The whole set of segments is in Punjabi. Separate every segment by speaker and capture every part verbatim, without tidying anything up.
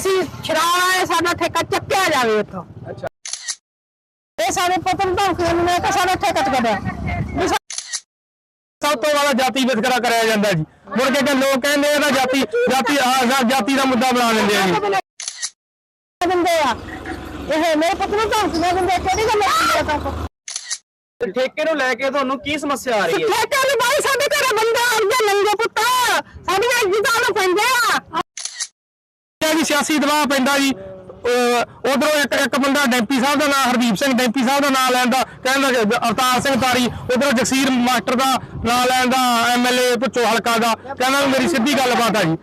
Speaker 1: ਅਸੀਂ ਛਰਾਣਾ ਸਾਡਾ ਠੇਕਾ ਚੱਕਿਆ ਜਾਵੇ ਉੱਥੋਂ।
Speaker 2: ਅੱਛਾ,
Speaker 1: ਇਹ ਸਾਡੇ ਪੁੱਤ ਨੂੰ ਧਮਕੀ ਨੇ ਕਿ ਸਾਡਾ ਠੇਕਾ ਚੱਕਿਆ।
Speaker 3: ਸਭ ਤੋਂ ਜ਼ਿਆਦਾ ਜਾਤੀ ਵਿਤਕਰਾ ਕਰਿਆ ਜਾਂਦਾ ਜੀ। ਮੁੜ ਕੇ ਕਿ ਲੋਕ ਕਹਿੰਦੇ ਇਹਦਾ ਜਾਤੀ ਜਾਤੀ ਆਹ ਜਾਤੀ ਦਾ ਮੁੱਦਾ ਬਣਾ ਲੈਂਦੇ ਆ ਜੀ।
Speaker 1: ਦਿੰਦੇ ਆ ਇਹ ਮੇਰੇ ਪੁੱਤ ਨੂੰ ਧਮਕੀਆਂ ਦਿੰਦੇ, ਕਿਹੜੀ ਗੱਲ ਹੈ?
Speaker 2: ਠੇਕੇ ਨੂੰ ਲੈ ਕੇ ਤੁਹਾਨੂੰ ਕੀ ਸਮੱਸਿਆ ਆ ਰਹੀ ਹੈ?
Speaker 1: ਠੇਕੇ ਨੂੰ ਬਾਈ ਸਾਡੇ ਘਰੇ ਬੰਦੇ ਆਉਂਦੇ ਨੰਗੇ ਪੁੱਤ ਸਾਡੀਆਂ ਇੱਜ਼ਤਾਂ ਨੂੰ ਪੈਂਦੇ ਆ
Speaker 3: ਜੀ। ਸਿਆਸੀ ਦਬਾਅ ਪੈਂਦਾ ਜੀ। ਉਧਰੋਂ ਇੱਕ ਇੱਕ ਬੰਦਾ ਡੈਂਪੀ ਸਾਹਿਬ ਦਾ ਨਾਮ ਹਰਦੀਪ ਸਿੰਘ ਡੈਂਪੀ ਸਾਹਿਬ ਦਾ ਨਾਮ ਲੈਂਦਾ, ਕਹਿੰਦਾ ਅਵਤਾਰ ਸਿੰਘ ਤਾਰੀ। ਉਧਰੋਂ ਜਗਸੀਰ ਮਾਸਟਰ ਦਾ ਨਾਮ ਲੈਂਦਾ, ਐਮ ਐਲ ਏ ਭੁੱਚੋ ਹਲਕਾ ਦਾ, ਕਹਿੰਦਾ ਮੇਰੀ ਸਿੱਧੀ ਗੱਲਬਾਤ ਆ ਜੀ।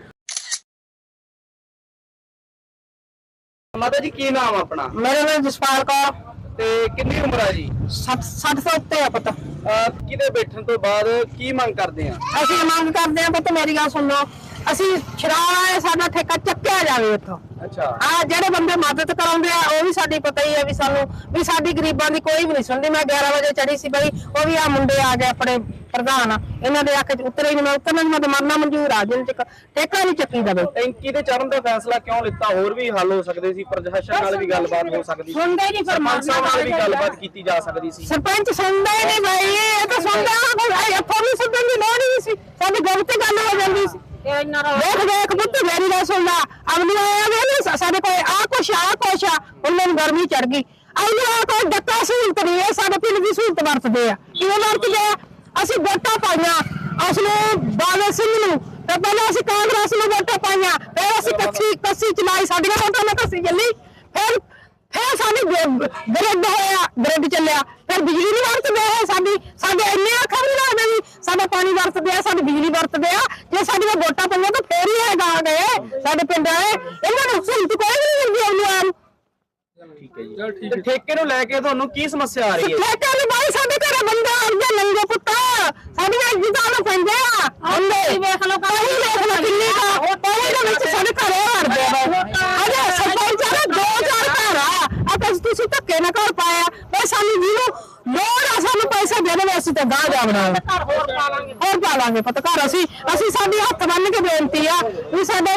Speaker 2: ਮਾਤਾ ਜੀ ਕੀ ਨਾਮ ਆਪਣਾ?
Speaker 1: ਮੇਰੇ ਨਾਲ ਜਸਪਾਲ ਕੌਰ।
Speaker 2: ਤੇ ਕਿੰਨੀ ਉਮਰ ਆ ਜੀ?
Speaker 1: ਸੱਠ ਸੱਠ ਤੋਂ ਉੱਤੇ ਆ ਪੁੱਤ।
Speaker 2: ਕਿਤੇ ਬੈਠਣ ਤੋਂ ਬਾਅਦ ਕੀ ਮੰਗ ਕਰਦੇ ਆ?
Speaker 1: ਅਸੀਂ ਮੰਗ ਕਰਦੇ ਆ ਪੁੱਤ, ਮੇਰੀ ਗੱਲ ਸੁਣ ਲਓ, ਅਸੀਂ ਛਰਾਣਾ ਸਾਡਾ ਠੇਕਾ ਚੱਕਿਆ ਜਾਵੇ ਉੱਥੋਂ।
Speaker 2: ਅੱਛਾ,
Speaker 1: ਆ ਜਿਹੜੇ ਬੰਦੇ ਮਦਦ ਕਰਾਉਂਦੇ ਆ ਉਹ ਵੀ ਸਾਡੀ ਪਤਾ ਹੀ ਆ ਵੀ ਸਾਨੂੰ ਵੀ ਸਾਡੀ ਗਰੀਬਾਂ ਦੀ ਕੋਈ ਵੀ ਨਹੀਂ ਸੁਣਦੀ। ਮੈਂ ਗਿਆਰਾਂ ਵਜੇ ਚੜੀ ਸੀ ਬਈ, ਉਹ ਵੀ ਆ ਮੁੰਡੇ ਆ ਗਏ ਆਪਣੇ ਪ੍ਰਧਾਨ, ਇਹਨਾਂ ਦੇ ਅੱਖ ਚ ਉਤਰੇ ਹੀ ਨਹੀਂ। ਮੈਂ ਉਤਰਨਾ ਮੈਂ ਮਰਨਾ ਮਨਜ਼ੂਰ ਆ, ਜਿੰਨ ਤੱਕ ਠੇਕਾ ਨਹੀਂ ਚੱਕੀ ਦਵੇ।
Speaker 2: ਟੈਂਕੀ ਤੇ ਚੜਨ ਦਾ ਫੈਸਲਾ ਕਿਉਂ ਲਿੱਤਾ? ਹੋਰ ਵੀ ਹੱਲ ਹੋ ਸਕਦੇ ਸੀ, ਪ੍ਰਸ਼ਾਸਨ ਨਾਲ ਵੀ ਗੱਲਬਾਤ ਹੋ ਸਕਦੀ ਸੀ,
Speaker 1: ਸੁਣਦੇ ਹੀ ਨਹੀਂ। ਫਿਰ
Speaker 2: ਨਾਲ ਵੀ ਗੱਲਬਾਤ ਕੀਤੀ ਜਾ ਸਕਦੀ ਸੀ।
Speaker 1: ਸਰਪੰਚ ਸੁਣਦਾ ਹੀ ਨਹੀਂ ਬਈ, ਇਹ ਤਾਂ ਸੁਣਦਾ ਕੋਈ ਇੱਥੋਂ ਵੀ ਸੁਣਨ ਦੀ ਲੋੜ ਹੀ ਨਹੀਂ ਸੀ, ਸਾਡੀ ਗੱਲ ਤੇ ਗੱਲ ਹੋ ਜਾਂਦੀ ਸੀ। ਦੇਖ ਦੇਖ ਪੁੱਤ ਮੇਰੀ ਗੱਲ ਸੁਣ ਲਾ, ਅਗਲੀ ਆਇਆ ਸਾਡੇ ਕੋਲ ਆ ਕੁਛ ਆ ਕੁਛ ਆ, ਉਹਨਾਂ ਨੂੰ ਗਰਮੀ ਚੜ ਗਈ। ਅਗਲੀ ਆ ਕੋਈ ਡੱਕਾ ਸਹੂਲਤ ਨਹੀਂ ਹੈ, ਸਾਡੇ ਪਿੰਡ ਦੀ ਸਹੂਲਤ ਵਰਤਦੇ ਆ। ਕਿਵੇਂ ਵਰਤਦੇ ਆ? ਅਸੀਂ ਵੋਟਾਂ ਪਾਈਆਂ ਉਸਨੂੰ ਬਾਦਲ ਸਿੰਘ ਨੂੰ, ਤੇ ਪਹਿਲਾਂ ਅਸੀਂ ਕਾਂਗਰਸ ਨੂੰ ਵੋਟਾਂ ਪਾਈਆਂ, ਫਿਰ ਅਸੀਂ ਕੱਸੀ ਕੱਸੀ ਚਲਾਈ, ਸਾਡੀਆਂ ਵੋਟਾਂ ਨਾਲ ਕੱਸੀ ਚੱਲੀ। ਫਿਰ ਫਿਰ ਸਾਡੀ ਗ੍ਰਿਡ ਹੋਇਆ, ਗ੍ਰਿਡ ਚੱਲਿਆ, ਫਿਰ ਬਿਜਲੀ ਨਹੀਂ ਵਰਤਦੇ ਆ ਸਾਡੀ। ਸਾਡੇ ਇੰਨੇ ਅੱਖਾਂ ਨਹੀਂ ਲੱਗਦੇ ਵੀ ਸਾਡਾ ਪਾਣੀ ਵਰਤਦੇ ਆ, ਸਾਡੀ ਬਿਜਲੀ ਵਰਤਦੇ ਆ। ਜੇ ਸਾਡੀਆਂ ਵੋਟਾਂ ਪਈਆਂ ਤਾਂ ਫੇਰ ਹੀ ਹੈਗਾ ਆ ਗਏ ਸਾਡੇ ਪਿੰਡ ਵਾਲੇ। ਇਹਨਾਂ ਨੂੰ ਸਹੂਲਤ ਕੋਈ ਨਹੀਂ ਮਿਲਦੀ ਆਉਂਦੀ ਆ।
Speaker 2: ਠੀਕ ਹੈ ਜੀ। ਤੇ ਠੇਕੇ ਨੂੰ ਲੈ ਕੇ ਤੁਹਾਨੂੰ ਕੀ ਸਮੱਸਿਆ ਆ ਰਹੀ ਹੈ?
Speaker 1: ਠੇਕੇ ਨੂੰ ਬਾਈ ਸਾਡੇ ਘਰੇ ਬੰਦੇ ਆਉਂਦੇ ਨੰਗੇ ਪੁੱਤ ਸਾਡੀਆਂ ਇੱਜ਼ਤਾਂ ਨੂੰ ਪੈਂਦੇ ਆ। ਆਉਂਦੇ ਵੇਖ ਲਓ, ਕੋਈ ਵੇਖ ਲਓ ਕਿੰਨੀ ਦਾ ਪਹਿਲੇ ਦੇ ਵਿੱਚ ਸਾਡੇ ਘਰੇ ਵੜਦੇ ਆ। ਅਜੇ ਸਰਪੰਚ ਆ ਦੋ ਚਾਰ ਘਰ ਆ, ਆਪਾਂ ਤੁਸੀਂ ਧੱਕੇ ਨਾ ਕਰ ਪਾਇਆ ਬਈ ਸਾਨੂੰ ਜਿਹਨੂੰ ਲੋੜ ਆ ਸਾਨੂੰ ਪੈਸੇ ਦੇ ਦੇਵੇ, ਅਸੀਂ ਤਾਂ ਗਾਹ ਜਾਵਣਾ ਘਰ ਹੋਰ ਪਾ ਲਾਂਗੇ, ਹੋਰ ਪਾ ਲਾਂਗੇ ਪੁੱਤ ਘਰ। ਅਸੀਂ ਅਸੀਂ ਸਾਡੀ ਹੱਥ ਬੰਨ ਕੇ ਬੇਨਤੀ ਆ ਵੀ ਸਾਡੇ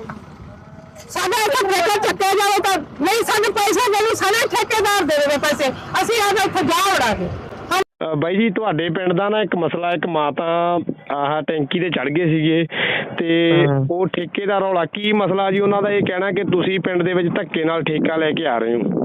Speaker 1: ਸਾਡਾ ਇੱਕ ਠੇਕਾ ਚੱਕਿਆ ਜਾਵੇ ਤਾਂ ਨਹੀਂ, ਸਾਨੂੰ ਪੈਸੇ ਦੇਣੀ, ਸਾਰੇ ਠੇਕੇਦਾਰ ਦੇ ਦੇਵੇ ਪੈਸੇ, ਅਸੀਂ ਆ ਇੱਥੇ ਜਾ ਵੜਾਂਗੇ।
Speaker 3: ਬਾਈ ਜੀ ਤੁਹਾਡੇ ਪਿੰਡ ਦਾ ਨਾ ਇੱਕ ਮਸਲਾ, ਇੱਕ ਮਾਤਾ ਆਹ ਟੈਂਕੀ ਤੇ ਚੜ ਗਏ ਸੀਗੇ ਤੇ ਉਹ ਠੇਕੇ ਦਾ ਰੌਲਾ ਕੀ ਮਸਲਾ ਜੀ? ਉਹਨਾਂ ਦਾ ਇਹ ਕਹਿਣਾ ਕਿ ਤੁਸੀਂ ਪਿੰਡ ਦੇ ਵਿੱਚ ਧੱਕੇ ਨਾਲ ਠੇਕਾ ਲੈ ਕੇ ਆ ਰਹੇ ਹੋ।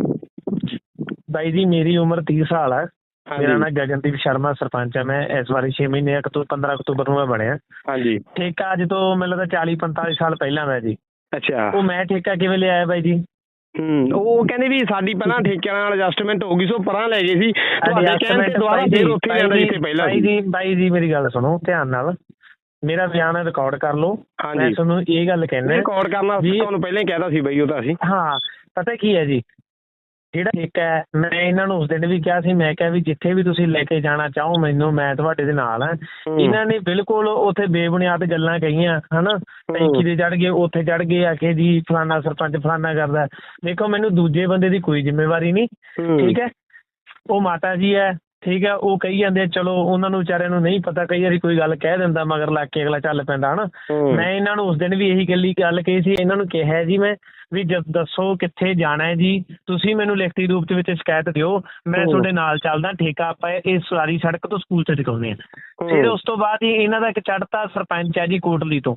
Speaker 4: ਬਾਈ ਜੀ ਮੇਰੀ ਉਮਰ ਤੀਹ ਸਾਲ ਹੈ। ਮੇਰਾ ਨਾਮ ਗਗਨਦੀਪ ਸ਼ਰਮਾ, ਸਰਪੰਚ ਹੈ। ਮੈਂ ਇਸ ਵਾਰੀ ਛੇ ਮਹੀਨੇ ਅਕਤੂਬਰ ਪੰਦਰਾਂ ਅਕਤੂਬਰ ਨੂੰ ਮੈਂ ਬਣਿਆ।
Speaker 3: ਹਾਂਜੀ।
Speaker 4: ਠੇਕਾ ਅੱਜ ਤੋਂ ਮੈਨੂੰ ਲੱਗਦਾ ਚਾਲੀ ਪੰਤਾਲੀ ਸਾਲ ਪਹਿਲਾਂ ਦਾ ਜੀ।
Speaker 3: ਅੱਛਾ।
Speaker 4: ਉਹ ਮੈਂ ਠੇਕਾ ਕਿਵੇਂ ਲਿਆਇਆ ਬਾਈ ਜੀ?
Speaker 3: ਹੂੰ ਉਹ ਕਹਿੰਦੇ ਵੀ ਸਾਡੀ ਪਹਿਲਾਂ ਠੇਕਿਆਂ ਨਾਲ ਐਡਜਸਟਮੈਂਟ ਹੋ ਗਈ, ਸੋ ਪਰਾਂ ਲੈ ਗਏ ਸੀ। ਤੁਹਾਡੇ ਕਹਿਣ ਤੇ ਦੁਬਾਰਾ ਫੇਰ ਉੱਥੇ ਜਾਂਦਾ ਜਿੱਥੇ ਪਹਿਲਾਂ ਸੀ।
Speaker 4: ਬਾਈ ਜੀ ਬਾਈ ਜੀ ਮੇਰੀ ਗੱਲ ਸੁਣੋ ਧਿਆਨ ਨਾਲ, ਮੇਰਾ ਬਿਆਨ ਰਿਕਾਰਡ ਕਰ ਲਓ। ਮੈਂ ਤੁਹਾਨੂੰ ਇਹ ਗੱਲ ਕਹਿਣਾ,
Speaker 3: ਰਿਕਾਰਡ ਕਰਨਾ ਤੁਹਾਨੂੰ ਪਹਿਲਾਂ ਹੀ ਕਹਿਤਾ ਸੀ ਬਈ ਉਹ ਤਾਂ ਅਸੀਂ।
Speaker 4: ਹਾਂ ਪਤਾ ਕੀ ਹੈ ਜੀ, ਜਿਹੜਾ ਠੇਕਾ ਹੈ ਮੈਂ ਇਹਨਾਂ ਨੂੰ ਉਸ ਦਿਨ ਵੀ ਕਿਹਾ ਸੀ, ਮੈਂ ਕਿਹਾ ਵੀ ਜਿੱਥੇ ਵੀ ਤੁਸੀਂ ਲੈ ਕੇ ਜਾਣਾ ਚਾਹੋ ਮੈਨੂੰ, ਮੈਂ ਤੁਹਾਡੇ ਦੇ ਨਾਲ ਹਾਂ। ਇਹਨਾਂ ਨੇ ਬਿਲਕੁਲ ਉੱਥੇ ਬੇਬੁਨਿਆਦ ਗੱਲਾਂ ਕਹੀਆਂ ਹਨਾ, ਟੈਂਕੀ ਤੇ ਚੜ ਗਏ, ਉੱਥੇ ਚੜ ਗਏ ਆ ਕੇ ਜੀ ਫਲਾਨਾ ਸਰਪੰਚ ਫਲਾਨਾ ਕਰਦਾ। ਦੇਖੋ ਮੈਨੂੰ ਦੂਜੇ ਬੰਦੇ ਦੀ ਕੋਈ ਜ਼ਿੰਮੇਵਾਰੀ ਨਹੀਂ, ਠੀਕ ਹੈ। ਉਹ ਮਾਤਾ ਜੀ ਹੈ, ਠੀਕ ਹੈ, ਉਹ ਕਹੀ ਜਾਂਦੇ ਚਲੋ ਉਹਨਾਂ ਨੂੰ ਵਿਚਾਰਿਆਂ ਨੂੰ ਨਹੀਂ ਪਤਾ, ਕਈ ਵਾਰੀ ਕੋਈ ਗੱਲ ਕਹਿ ਦਿੰਦਾ ਮਗਰ ਲੱਗ ਕੇ ਅਗਲਾ ਚੱਲ ਪੈਂਦਾ ਹਨਾ। ਮੈਂ ਇਹਨਾਂ ਨੂੰ ਉਸ ਦਿਨ ਵੀ ਇਹੀ ਗੱਲੀ ਗੱਲ ਕਹੀ ਸੀ, ਇਹਨਾਂ ਨੂੰ ਕਿਹਾ ਜੀ ਮੈਂ ਵੀ ਦੱਸੋ ਕਿੱਥੇ ਜਾਣਾ ਹੈ ਜੀ, ਤੁਸੀਂ ਮੈਨੂੰ ਲਿਖਤੀ ਰੂਪ ਦੇ ਵਿੱਚ ਸ਼ਿਕਾਇਤ ਦਿਓ, ਮੈਂ ਤੁਹਾਡੇ ਨਾਲ ਚੱਲਦਾ, ਠੇਕਾ ਆਪਾਂ ਇਹ ਸਾਰੀ ਸੜਕ ਤੋਂ ਸਕੂਲ ਚ ਚੁਕਾਉਂਦੇ ਹਾਂ। ਫਿਰ ਉਸ ਤੋਂ ਬਾਅਦ ਹੀ ਇਹਨਾਂ ਦਾ ਇੱਕ ਚੜ੍ਹਤਾ ਸਰਪੰਚ ਹੈ ਜੀ ਕੋਟਲੀ ਤੋਂ,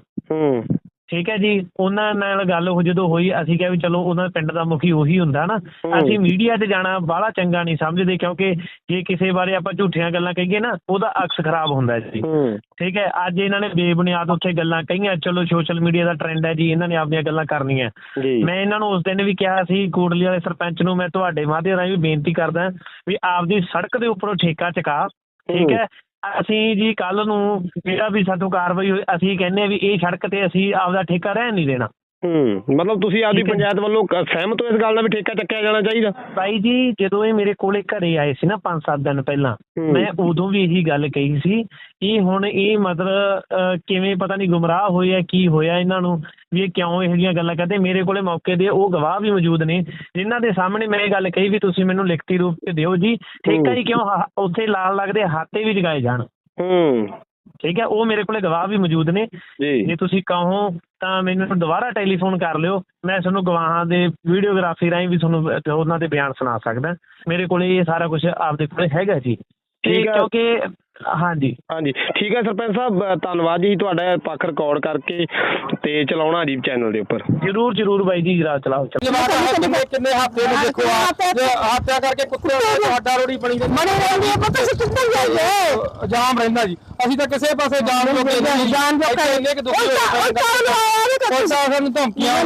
Speaker 4: ਠੀਕ ਹੈ ਜੀ। ਉਹਨਾਂ ਨਾਲ ਗੱਲ ਉਹ ਜਦੋਂ ਹੋਈ, ਅਸੀਂ ਕਿਹਾ ਵੀ ਚਲੋ ਉਹਨਾਂ ਪਿੰਡ ਦਾ ਮੁਖੀ ਉਹੀ ਹੁੰਦਾ ਨਾ, ਅਸੀਂ ਮੀਡੀਆ ਤੇ ਜਾਣਾ ਬਾਹਲਾ ਚੰਗਾ ਨਹੀਂ ਸਮਝਦੇ, ਕਿਉਂਕਿ ਜੇ ਕਿਸੇ ਬਾਰੇ ਆਪਾਂ ਝੂਠੀਆਂ ਗੱਲਾਂ ਕਹੀਏ ਨਾ ਉਹਦਾ ਅਕਸ ਖਰਾਬ ਹੁੰਦਾ ਜੀ, ਠੀਕ ਹੈ। ਅੱਜ ਇਹਨਾਂ ਨੇ ਬੇਬੁਨਿਆਦ ਉੱਥੇ ਗੱਲਾਂ ਕਹੀਆਂ, ਚਲੋ ਸੋਸ਼ਲ ਮੀਡੀਆ ਦਾ ਟਰੈਂਡ ਹੈ ਜੀ, ਇਹਨਾਂ ਨੇ ਆਪਣੀਆਂ ਗੱਲਾਂ ਕਰਨੀਆਂ। ਮੈਂ ਇਹਨਾਂ ਨੂੰ ਉਸ ਦਿਨ ਵੀ ਕਿਹਾ ਸੀ, ਕੋਟਲੀ ਵਾਲੇ ਸਰਪੰਚ ਨੂੰ ਮੈਂ ਤੁਹਾਡੇ ਮਾਧਿਅਮ ਰਾਹੀਂ ਵੀ ਬੇਨਤੀ ਕਰਦਾ ਵੀ ਆਪਦੀ ਸੜਕ ਦੇ ਉੱਪਰੋਂ ਠੇਕਾ ਚੁਕਾ, ਠੀਕ ਹੈ। ਅਸੀਂ ਜੀ ਕੱਲ ਨੂੰ ਜਿਹੜਾ ਵੀ ਸਾਤੋਂ ਕਾਰਵਾਈ ਹੋਈ, ਅਸੀਂ ਕਹਿੰਦੇ ਹਾਂ ਵੀ ਇਹ ਸੜਕ ਤੇ ਅਸੀਂ ਆਪਦਾ ਠੇਕਾ ਰਹਿਣ ਨਹੀਂ ਦੇਣਾ।
Speaker 3: ਹੂੰ ਮਤਲਬ ਤੁਸੀਂ ਆਪਦੀ ਪੰਚਾਇਤ ਵੱਲੋਂ ਸਹਿਮਤ ਹੋ ਇਸ ਗੱਲ ਨਾਲ ਵੀ ਠੇਕਾ ਚੱਕਿਆ ਜਾਣਾ ਚਾਹੀਦਾ?
Speaker 4: ਬਾਈ ਜੀ ਜਦੋਂ ਇਹ ਮੇਰੇ ਕੋਲੇ ਘਰੇ ਆਏ ਸੀ ਨਾ ਪੰਜ ਸੱਤ ਦਿਨ ਪਹਿਲਾਂ, ਮੈਂ ਉਦੋਂ ਵੀ ਇਹੀ ਗੱਲ ਕਹੀ ਸੀ ਕਿ ਹੁਣ ਇਹ ਮਤਲਬ ਕਿਵੇਂ ਪਤਾ ਨਹੀਂ ਗੁੰਮਰਾਹ ਹੋਏ ਆ, ਕੀ ਹੋਇਆ ਇਹਨਾਂ ਨੂੰ ਵੀ ਇਹ ਕਿਉਂ ਇਹੋ ਜਿਹੀਆਂ ਗੱਲਾਂ ਕਰਦੇ। ਮੇਰੇ ਕੋਲੇ ਮੌਕੇ ਦੇ ਉਹ ਗਵਾਹ ਵੀ ਮੌਜੂਦ ਨੇ ਜਿਨ੍ਹਾਂ ਦੇ ਸਾਹਮਣੇ ਮੈਂ ਇਹ ਗੱਲ ਕਹੀ ਵੀ ਤੁਸੀਂ ਮੈਨੂੰ ਲਿਖਤੀ ਰੂਪ ਤੇ ਦਿਓ ਜੀ ਠੇਕਾ ਹੀ ਕਿਉਂ ਉੱਥੇ ਲਾਲ ਲੱਗਦੇ ਹਾਤੇ ਵੀ ਜਗਾਏ ਜਾਣ।
Speaker 3: ਹੂੰ
Speaker 4: ਠੀਕ ਹੈ, ਉਹ ਮੇਰੇ ਕੋਲੇ ਗਵਾਹ ਵੀ ਮੌਜੂਦ ਨੇ।
Speaker 2: ਜੀ
Speaker 4: ਜੇ ਤੁਸੀਂ ਕਹੋ ਤਾਂ ਮੈਨੂੰ ਦੁਬਾਰਾ ਟੈਲੀਫੋਨ ਕਰ ਲਿਓ, ਮੈਂ ਤੁਹਾਨੂੰ ਗਵਾਹਾਂ ਦੇ ਵੀਡੀਓਗ੍ਰਾਫੀ ਰਾਹੀਂ ਵੀ ਤੁਹਾਨੂੰ ਉਹਨਾਂ ਦੇ ਬਿਆਨ ਸੁਣਾ ਸਕਦਾ। ਮੇਰੇ ਕੋਲੇ ਇਹ ਸਾਰਾ ਕੁਝ ਆਪਦੇ ਕੋਲੇ ਹੈਗਾ ਜੀ।
Speaker 2: ਠੀਕ ਹੈ।
Speaker 4: ਕਿਉਂਕਿ ਹਾਂਜੀ
Speaker 2: ਹਾਂਜੀ ਠੀਕ ਹੈ ਸਰਪੰਚ ਸਾਹਿਬ, ਧੰਨਵਾਦ ਜੀ ਤੁਹਾਡਾ ਪੱਖ ਰਿਕਾਰਡ ਕਰਕੇ ਤੇ ਚਲਾਉਣਾ ਜੀ ਚੈਨਲ ਦੇ ਉੱਪਰ।
Speaker 4: ਜ਼ਰੂਰ ਜ਼ਰੂਰ ਬਾਈ ਜੀ, ਜਰਾ ਚਲਾਓ ਚਲਾਓ।
Speaker 3: ਕਿੰਨੇ ਕਿੰਨੇ ਹਫ਼ਤੇ ਨੂੰ ਦੇਖੋ ਆ ਹੱਤਿਆ ਕਰਕੇ ਕੁੱਤੇ ਸਾਡਾ ਰੋੜੀ ਬਣੀ
Speaker 1: ਬਣੀ ਰਹਿੰਦੀ ਹੈ, ਪਤਾ ਸੀ ਕਿੱਥੇ ਜਾਈਏ,
Speaker 3: ਜਾਮ ਰਹਿੰਦਾ ਜੀ। ਅਸੀਂ ਤਾਂ ਕਿਸੇ ਪਾਸੇ ਜਾਣ ਨੂੰ
Speaker 1: ਜਾਣ ਜੋ ਕਰ
Speaker 3: ਇੰਨੇ ਕਿ ਦੁਖੀ ਹੋਏ ਕੋਈ ਸਾਨੂੰ ਧਮਕੀਆਂ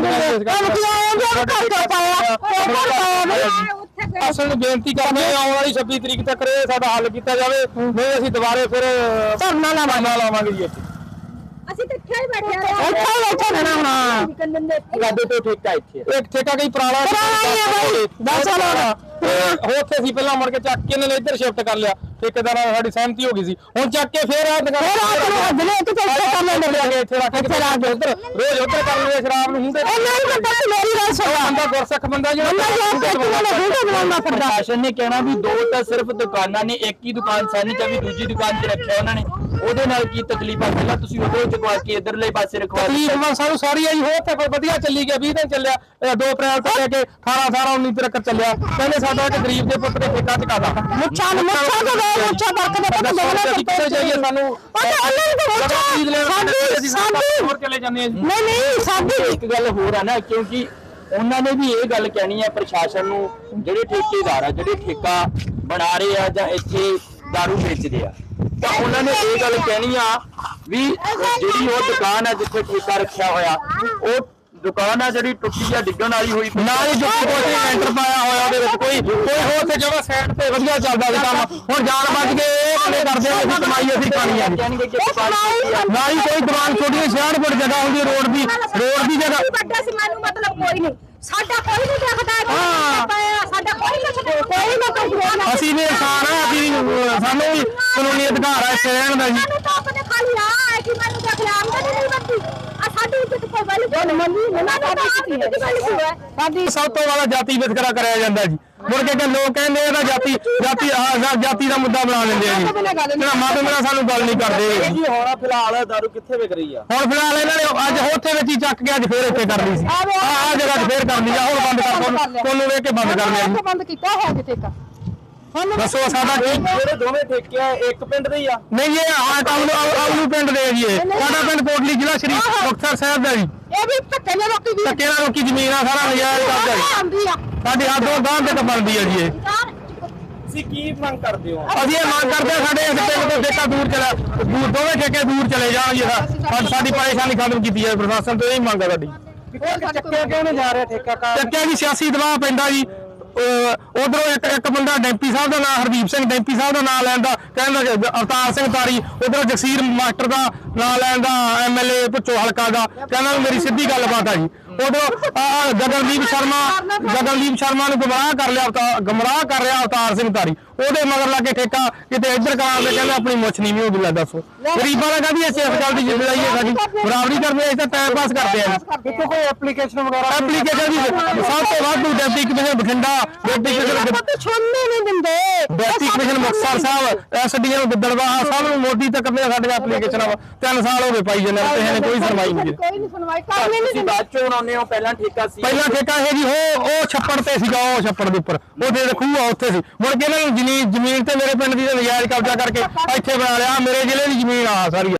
Speaker 3: ਅਸਲ ਨੂੰ ਬੇਨਤੀ ਕਰਦੇ ਹਾਂ ਆਉਣ ਵਾਲੀ ਛੱਬੀ ਤਰੀਕ ਤੱਕ ਇਹ ਸਾਡਾ ਹੱਲ ਕੀਤਾ ਜਾਵੇ, ਨਹੀਂ ਅਸੀਂ ਦੁਬਾਰੇ ਫਿਰ ਧਰਨਾ ਲਾਵਾਂਗੇ ਜੀ।
Speaker 1: ਅਸੀਂ ਤਾਂ ਇੱਥੇ ਹੀ ਬੈਠੇ ਆ, ਇੱਥੇ ਹੀ ਬੈਠੇ ਰਹਿਣਾ ਹੁਣ।
Speaker 2: ਸਾਡੇ ਤੋਂ ਠੇਕਾ ਇੱਥੇ
Speaker 3: ਇੱਕ ਠੇਕਾ ਕਈ ਪੁਰਾਣਾ
Speaker 1: ਦਸ ਸਾਲ ਹੋ ਗਏ।
Speaker 3: ਉੱਥੇ ਸੀ ਪਹਿਲਾਂ ਮੁੜ ਕੇ ਚੱਕ ਕੇ ਇਹਨਾਂ ਨੇ ਇੱਧਰ ਸ਼ਿਫਟ ਕਰ ਲਿਆ, ਠੇਕੇਦਾਰਾਂ ਨਾਲ ਸਾਡੀ ਸਹਿਮਤੀ ਹੋ ਗਈ ਸੀ, ਹੁਣ ਚੱਕ ਕੇ ਫੇਰ ਆ ਦੁਕਾਨ ਇੱਥੇ ਰੱਖ ਕੇ ਉੱਧਰ ਰੋਜ਼ ਉੱਧਰ ਕਰ ਲਈਏ ਸ਼ਰਾਬ ਨੂੰ। ਹੁੰਦੇ
Speaker 1: ਮੇਰੀ ਗੱਲ ਸੁਣੋ,
Speaker 3: ਬੰਦਾ ਗੁਰਸਿੱਖ ਬੰਦਾ ਜਿਹੜਾ
Speaker 5: ਪ੍ਰਸ਼ਾਸਨ ਨੇ ਕਹਿਣਾ ਵੀ ਦੋ ਤਾਂ ਸਿਰਫ ਦੁਕਾਨਾਂ ਨੇ, ਇੱਕ ਹੀ ਦੁਕਾਨ ਸਾਨੀ ਚਾਬੀ ਦੂਜੀ ਦੁਕਾਨ ਤੇ ਰੱਖਿਆ ਉਹਨਾਂ ਨੇ, ਉਹਦੇ ਨਾਲ ਕੀ ਤਕਲੀਫ ਆ? ਪਹਿਲਾਂ ਤੁਸੀਂ ਉਧਰੋਂ ਚੁਕਵਾ ਕੇ ਇਧਰਲੇ ਪਾਸੇ ਰਖਵਾ
Speaker 3: ਤਕਲੀਫ ਸਾਨੂੰ ਸਾਰੀ ਆਈ ਹੋ ਤੇ ਵਧੀਆ ਚੱਲੀ ਗਿਆ, ਵੀਹ ਦਿਨ ਚੱਲਿਆ, ਦੋ ਅਪ੍ਰੈਲ ਤੋਂ ਲੈ ਕੇ ਅਠਾਰਾਂ ਅਠਾਰਾਂ ਉੱਨੀ ਤੱਕ ਚੱਲਿਆ। ਕਹਿੰਦੇ ਸਾਡਾ ਇੱਕ ਗਰੀਬ ਦੇ ਪੁੱਤ ਨੇ ਠੇਕਾ ਚੁਕਾਦਾ
Speaker 1: ਮੁੱਛਾਂ ਨੂੰ ਮੁੱਛਾਂ ਤੋਂ ਦੋ ਮੁੱਛਾਂ ਵਰਕ ਦੇ ਪਤਾ ਦੋਨੇ
Speaker 3: ਕਿੱਥੇ ਜਾਈਏ ਸਾਨੂੰ ਹੋਰ ਚਲੇ ਜਾਂਦੇ ਆ ਜੀ।
Speaker 1: ਨਹੀਂ ਨਹੀਂ ਸਾਡੀ
Speaker 5: ਇੱਕ ਗੱਲ ਹੋਰ ਆ ਨਾ, ਕਿਉਂਕਿ ਉਹਨਾਂ ਨੇ ਵੀ ਇਹ ਗੱਲ ਕਹਿਣੀ ਹੈ ਪ੍ਰਸ਼ਾਸਨ ਨੂੰ, ਜਿਹੜੇ ਠੇਕੇਦਾਰ ਆ ਜਿਹੜੇ ਠੇਕਾ ਬਣਾ ਰਹੇ ਆ ਜਾਂ ਇੱਥੇ ਦਾਰੂ ਵੇਚਦੇ ਆ, ਤਾਂ ਉਹਨਾਂ ਨੇ ਇਹ ਗੱਲ ਕਹਿਣੀ ਆ ਵੀ ਜਿਹੜੀ ਉਹ ਦੁਕਾਨ ਆ ਜਿੱਥੇ ਠੇਕਾ ਰੱਖਿਆ ਹੋਇਆ, ਉਹ ਦੁਕਾਨ ਆ ਜਿਹੜੀ ਟੁੱਟੀ ਆ ਡਿੱਗਣ ਵਾਲੀ ਹੋਈ
Speaker 3: ਨਾਲ ਹੀ ਜੁੱਤੀ ਕੋਈ ਲੈਂਟਰ ਪਾਇਆ ਹੋਇਆ ਉਹਦੇ ਵਿੱਚ, ਕੋਈ ਕੋਈ ਹੋਰ ਤੇ ਜਗ੍ਹਾ ਸਾਈਡ ਤੇ ਵਧੀਆ ਚੱਲਦਾ ਸੀ ਕੰਮ। ਹੁਣ ਜਾਣ ਬਚ ਕੇ ਇਹ ਕਿਵੇਂ ਕਰਦੇ ਆ, ਅਸੀਂ ਕਮਾਈ ਅਸੀਂ ਖਾਣੀ ਆ ਜੀ।
Speaker 5: ਕਹਿਣਗੇ ਕਿ ਦੁਕਾਨ
Speaker 3: ਨਾ ਹੀ ਕੋਈ ਦੁਕਾਨ ਛੋਟੀ ਛਿਆਹਠ ਜਗ੍ਹਾ ਹੁੰਦੀ ਰੋਡ ਦੀ ਰੋਡ ਦੀ ਜਗ੍ਹਾ
Speaker 1: ਵੱਡਾ ਸੀ, ਮੈਨੂੰ ਮਤਲਬ ਕੋਈ ਨਹੀਂ, ਸਾਡਾ ਕੋਈ ਨਹੀਂ ਦੇਖਦਾ, ਸਾਡਾ ਕੋਈ ਨਹੀਂ ਕੋਈ ਨਾ ਕੋਈ
Speaker 3: ਅਸੀਂ ਵੀ ਇਨਸਾਨ ਆ, ਅਸੀਂ ਸਾਨੂੰ ਵੀ ਕਾਨੂੰਨੀ ਅਧਿਕਾਰ ਆ ਇੱਥੇ ਰਹਿਣ ਦਾ ਜੀ।
Speaker 1: ਮੈਨੂੰ ਤਾਂ ਆਪਣੇ ਖਾਲੀ ਆ ਹੈ ਕਿ ਮੈਨੂੰ ਦੇਖ ਲਿਆ ਆਮਦਨੀ ਨਹੀਂ ਬੰਦੀ ਆ, ਸਾਡੀ ਇੱਜ਼ਤ ਕੋਈ ਵੈਲਿਊ ਨਹੀਂ ਮੰਨੀ, ਉਹਨਾਂ ਦਾ ਆਮਦਨੀ ਦੀ ਵੈਲਿਊ ਹੈ ਸਾਡੀ।
Speaker 3: ਸਭ ਤੋਂ ਜ਼ਿਆਦਾ ਜਾਤੀ ਵਿਤਕਰਾ ਕਰਿਆ ਜਾਂਦਾ ਜੀ। ਮੁੜ ਕੇ ਲੋਕ ਕਹਿੰਦੇ ਇਹਦਾ ਜਾਤੀ ਜਾਤੀ ਆਹ ਜਾਤੀ ਦਾ ਮੁੱਦਾ ਬਣਾ ਲੈਂਦੇ ਆ ਜੀ। ਜਿਹੜਾ ਮਤ ਮੇਰਾ ਸਾਨੂੰ ਗੱਲ ਨਹੀਂ ਕਰਦੇ
Speaker 2: ਜੀ। ਹੁਣ ਫਿਲਹਾਲ ਦਾਰੂ ਕਿੱਥੇ ਵਿਕ ਰਹੀ ਆ?
Speaker 3: ਹੁਣ ਫਿਲਹਾਲ ਇਹਨਾਂ ਨੇ ਅੱਜ ਉੱਥੇ ਵਿੱਚ ਹੀ ਚੱਕ ਕੇ ਅੱਜ ਫੇਰ ਇੱਥੇ ਕਰ ਲਈ ਸੀ, ਆਹ ਆਹ ਜਗ੍ਹਾ 'ਚ ਫੇਰ ਕਰ ਲਈ ਆ। ਹੁਣ ਬੰਦ ਕਰ ਕੋਲ ਵੇਖ ਕੇ ਬੰਦ ਕਰ ਲਿਆ ਜੀ।
Speaker 1: ਬੰਦ ਕੀਤਾ ਹੋਇਆ ਕਿਤੇ ਕਾ
Speaker 3: ਦੱਸੋ ਸਾਡਾ ਕੀ?
Speaker 2: ਜਿਹੜੇ ਦੋਵੇਂ ਠੇਕੇ ਆ ਇੱਕ ਪਿੰਡ ਦੇ ਹੀ ਆ?
Speaker 3: ਨਹੀਂ ਇਹ ਆ ਟਾਊਨ ਆਉਲੂ ਪਿੰਡ ਦੇ ਜੀ। ਇਹ ਸਾਡਾ ਪਿੰਡ ਕੋਟਲੀ ਜ਼ਿਲ੍ਹਾ ਸ਼੍ਰੀ ਮੁਕਤਸਰ ਸਾਹਿਬ ਦਾ ਜੀ।
Speaker 1: ਇਹ ਵੀ ਧੱਕੇ ਨਾਲ ਰੋਕੀ ਦੀ
Speaker 3: ਧੱਕੇ ਨਾਲ ਰੋਕੀ ਜ਼ਮੀਨ ਆ, ਸਾਰਾ ਨਜਾਇਜ਼ ਕਬਜ਼ਾ ਜੀ।
Speaker 1: ਆਉਂਦੀ ਆ
Speaker 3: ਸਾਡੀ ਹੱਦ ਉਹ ਗਾਂ ਤੇ ਤਾਂ ਬਣਦੀ ਆ ਜੀ। ਇਹ
Speaker 2: ਤੁਸੀਂ ਕੀ ਮੰਗ ਕਰਦੇ ਹੋ?
Speaker 3: ਅਸੀਂ ਇਹ ਮੰਗ ਕਰਦੇ ਹਾਂ ਸਾਡੇ ਇਸ ਪਿੰਡ ਤੋਂ ਠੇਕਾ ਦੂਰ ਚਲਾ ਦੂਰ ਦੋਵੇਂ ਠੇਕੇ ਦੂਰ ਚਲੇ ਜਾਣ ਜੀ। ਸਾ- ਸਾਡੀ ਪਰੇਸ਼ਾਨੀ ਖਤਮ ਕੀਤੀ ਜਾਵੇ ਪ੍ਰਸ਼ਾਸਨ ਤੋਂ, ਇਹ ਮੰਗ ਆ ਸਾਡੀ।
Speaker 2: ਚੱਕਿਆ ਕਿਉਂ ਨਹੀਂ ਜਾ ਰਿਹਾ ਠੇਕਾ?
Speaker 3: ਚੱਕਿਆ ਜੀ ਸਿਆਸੀ ਦਬਾਅ ਪੈਂਦਾ ਜੀ। ਉਧਰੋਂ ਇੱਕ ਇੱਕ ਬੰਦਾ ਡੈਂਪੀ ਸਾਹਿਬ ਦਾ ਨਾਂ ਹਰਦੀਪ ਸਿੰਘ ਡੈਂਪੀ ਸਾਹਿਬ ਦਾ ਨਾਂ ਲੈਣ ਦਾ ਕਹਿੰਦਾ ਕਿ ਅਵਤਾਰ ਸਿੰਘ ਤਾਰੀ, ਉਧਰੋਂ ਜਗਸੀਰ ਮਾਸਟਰ ਦਾ ਨਾਂ ਲੈਣ ਦਾ ਐਮ ਐਲ ਏ ਭੁੱਚੋ ਹਲਕਾ ਦਾ ਕਹਿੰਦਾ ਮੇਰੀ ਸਿੱਧੀ ਗੱਲਬਾਤ ਆ ਜੀ। ਉਧਰੋਂ ਗਗਨਦੀਪ ਸ਼ਰਮਾ ਗਗਨਦੀਪ ਸ਼ਰਮਾ ਨੂੰ ਗੁੰਮਰਾਹ ਕਰ ਲਿਆ ਅਵਤਾਰ ਗੁੰਮਰਾਹ ਕਰ ਰਿਹਾ ਅਵਤਾਰ ਸਿੰਘ ਤਾਰੀ, ਉਹਦੇ ਮਗਰ ਲਾ ਕੇ ਠੇਕਾ ਕਿਤੇ ਇੱਧਰ ਕਰਾਂ ਦੇ ਕਹਿੰਦੇ ਆਪਣੀ ਮੁੱਛ ਨਹੀਂ ਵੀ ਉਹ ਲੈ। ਦੱਸੋ ਗਰੀਬਾਂ ਦਾ ਕਹਿੰਦੀ ਅਸੀਂ ਇਸ ਗੱਲ ਦੀ ਜ਼ਿੰਮੇਵਾਰੀ ਹੈ ਸਾਡੀ, ਬਰਾਬਰੀ ਕਰਦੇ ਅਸੀਂ ਤਾਂ ਟਾਈਮ ਪਾਸ ਕਰਦੇ ਆ ਜੀ।
Speaker 2: ਇੱਥੇ ਕੋਈ ਐਪਲੀਕੇਸ਼ਨ ਵਗੈਰਾ?
Speaker 3: ਐਪਲੀਕੇਸ਼ਨ ਦੀ ਸਭ ਤੋਂ ਵੱਧ deputy commissioner Bathinda, deputy commissioner
Speaker 1: ਛੋੜਨੇ ਨਹੀਂ ਦਿੰਦੇ,
Speaker 3: deputy commissioner Muktsar Sahib, SDM Gidderbaha ਸਭ ਨੂੰ ਮੋਦੀ ਤੱਕ ਦੀਆਂ ਸਾਡੀਆਂ ਐਪਲੀਕੇਸ਼ਨਾਂ ਤਿੰਨ ਸਾਲ ਹੋ ਗਏ ਪਾਈ ਜਾਂਦੇ ਨੇ, ਕਿਸੇ ਨੇ ਕੋਈ ਸੁਣਵਾਈ ਨਹੀਂ ਕੀਤੀ।
Speaker 1: ਕੋਈ ਨਹੀਂ ਸੁਣਵਾਈ ਕਰਨੀ ਨਹੀਂ
Speaker 5: ਤੁਸੀਂ ਬਾਅਦ ਚੋਂ ਆਉਂਦੇ ਹੋ, ਪਹਿਲਾਂ ਠੇਕਾ ਸੀ?
Speaker 3: ਪਹਿਲਾਂ ਠੇਕਾ ਇਹ ਜੀ ਉਹ ਉਹ ਛੱਪੜ ਤੇ ਸੀਗਾ, ਉਹ ਛੱਪੜ ਦੇ ਉੱਪਰ ਉਹਦੇ ਖੂਹ ਆ ਉੱਥੇ ਸੀ। ਮੁੜ ਕੇ ਇਹਨਾਂ ਨੂੰ ਜ਼ਮੀਨ ਜ਼ਮੀਨ ਤੇ ਮੇਰੇ ਪਿੰਡ ਦੀ ਨਜਾਇਜ਼ ਕਬਜ਼ਾ ਕਰਕੇ ਇੱਥੇ ਬਣਾ ਲਿਆ। ਮੇਰੇ ਜ਼ਿਲ੍ਹੇ ਦੀ ਜ਼ਮੀਨ ਆ ਸਾਰੀ।